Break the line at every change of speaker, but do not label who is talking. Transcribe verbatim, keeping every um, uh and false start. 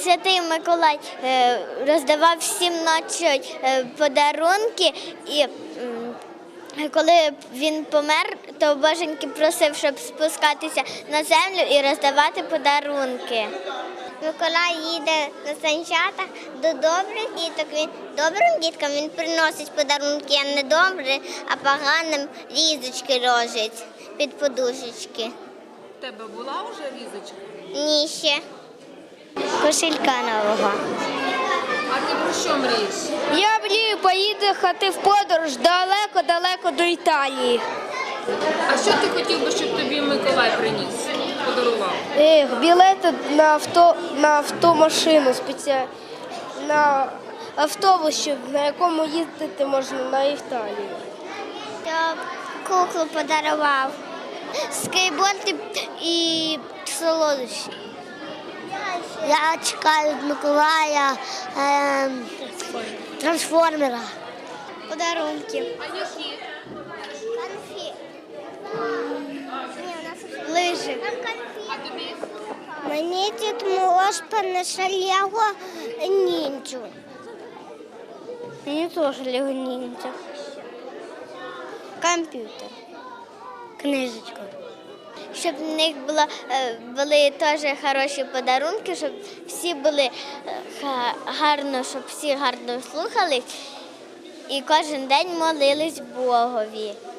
Святий Миколай е, роздавав всім ночі е, подарунки, і м, коли він помер, то Боженьки просив, щоб спускатися на землю і роздавати подарунки. Миколай їде на санчатах до добрих діток. Він добрим діткам він приносить подарунки, а не добрі, а поганим різочки ложить під подушечки.
У тебе була вже різочка?
Ні, ще. Кошелька нового.
А ти про що мрієш?
Я мрію поїхати в подорож далеко-далеко до Італії.
А що ти хотів би, щоб тобі Миколай приніс, подарував?
Ех, білети на авто на автомашину спеціально, на автобус, щоб, на якому їздити можна на Італію.
Я куклу подарував, скейтборд і солодощі. Я чекаю від Миколая е, трансформера. Подарунки.
А які?
Конфі. Лижі.
А тобі?
Мені Дід Мороз принесе Лего ніндзю. Мені теж Лего ніндзя. Комп'ютер. Книжечка. Щоб в них було, е, були теж хороші подарунки, щоб всі були е, га- гарно, щоб всі гарно слухались і кожен день молились Богові.